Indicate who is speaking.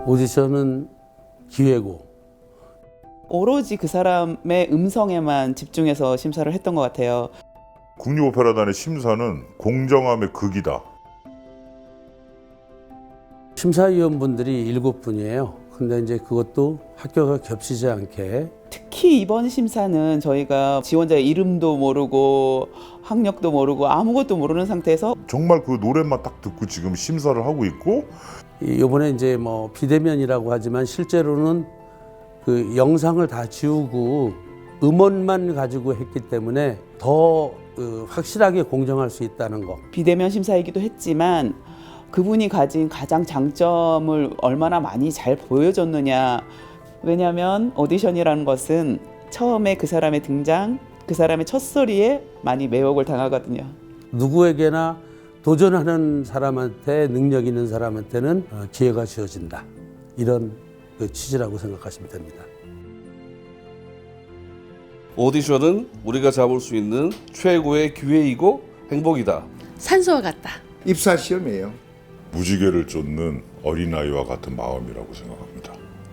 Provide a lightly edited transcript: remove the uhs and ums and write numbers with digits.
Speaker 1: 오디션은 기회고
Speaker 2: 오로지 그 사람의 음성에만 집중해서 심사를 했던 것 같아요.
Speaker 3: 국립오페라단의 심사는 공정함의 극이다.
Speaker 1: 심사위원분들이 7분이에요. 근데 이제 그것도 학교가 겹치지 않게
Speaker 2: 특히 이번 심사는 저희가 지원자의 이름도 모르고 학력도 모르고 아무것도 모르는 상태에서
Speaker 3: 정말 그 노래만 딱 듣고 지금 심사를 하고 있고
Speaker 1: 이번에 이제 뭐 비대면이라고 하지만 실제로는 그 영상을 다 지우고 음원만 가지고 했기 때문에 더 확실하게 공정할 수 있다는 거.
Speaker 2: 비대면 심사이기도 했지만 그분이 가진 가장 장점을 얼마나 많이 잘 보여줬느냐. 왜냐하면 오디션이라는 것은 처음에 그 사람의 등장, 그 사람의 첫 소리에 많이 매혹을 당하거든요.
Speaker 1: 누구에게나 도전하는 사람한테 능력 있는 사람한테는 기회가 주어진다. 이런 그 취지라고 생각하시면 됩니다.
Speaker 4: 오디션은 우리가 잡을 수 있는 최고의 기회이고 행복이다.
Speaker 5: 산소와 같다.
Speaker 6: 입사 시험이에요.
Speaker 3: 무지개를 쫓는 어린아이와 같은 마음이라고 생각합니다.